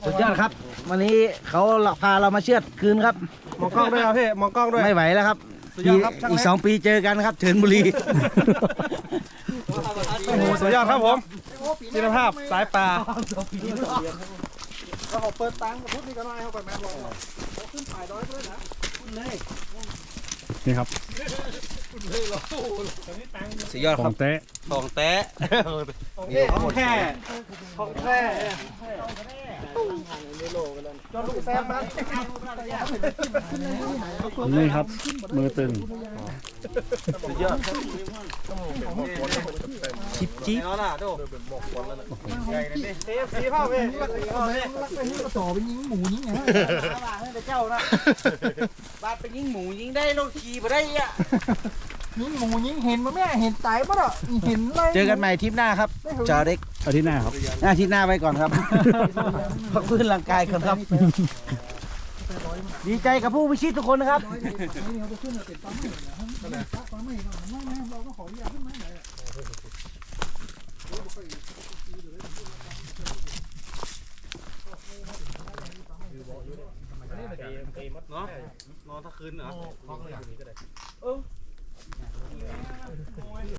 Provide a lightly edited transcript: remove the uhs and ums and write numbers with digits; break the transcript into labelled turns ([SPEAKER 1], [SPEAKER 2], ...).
[SPEAKER 1] สุดยอดครับวันนี้เขาพาเรามาเชือดคืนครับ
[SPEAKER 2] มองกล้องด้วยครับพี่มองกล้องด้วย
[SPEAKER 1] ไม่ไหวแล้วครับ
[SPEAKER 2] สุดยอดครับช่าง
[SPEAKER 1] อีก
[SPEAKER 2] เล็ก
[SPEAKER 1] 2 ปีเจอกันครับเถินบุรี
[SPEAKER 2] โอ้โหสุดยอดครับผมคุณภาพสายปลาเราเปิดตังค์พุทธนี่ก็น้อยเข้าไปแม่ลองขึ้นถ่ายร้อยด้วยนะนี่ครับ
[SPEAKER 1] สุดยอด
[SPEAKER 2] ข
[SPEAKER 1] ค
[SPEAKER 2] อ
[SPEAKER 1] รับ
[SPEAKER 2] งเต๊ะ
[SPEAKER 1] ของแท้
[SPEAKER 2] ของแท้ของแท้จนลูกแซมมานี่ครับมือตึง
[SPEAKER 1] สุดยอดชิปจิ๊บ
[SPEAKER 2] เอาล่ะดูสีผ้าเว้ยต่อไปยิงหมูยิงไงเจ้านะ
[SPEAKER 1] บาดไปยิงหมูยิงได้รถขี่ไปได้อ่ะ
[SPEAKER 3] ยิงหมูยิงเห็นมาแม่เห็นตายปะเนาะเห็นเลย
[SPEAKER 1] เจอกันใหม่ทริปหน้าครับจอเด็ก
[SPEAKER 2] อาทิตย์หน้าครับ
[SPEAKER 1] อาทิตย์หน้าไปก่อนครับ พักฟื้นร่างกายก่อนครับ ดีใจกับผู้พิชิตทุกคนนะครับ
[SPEAKER 2] เนาะนอนถ้าคืนเหรอ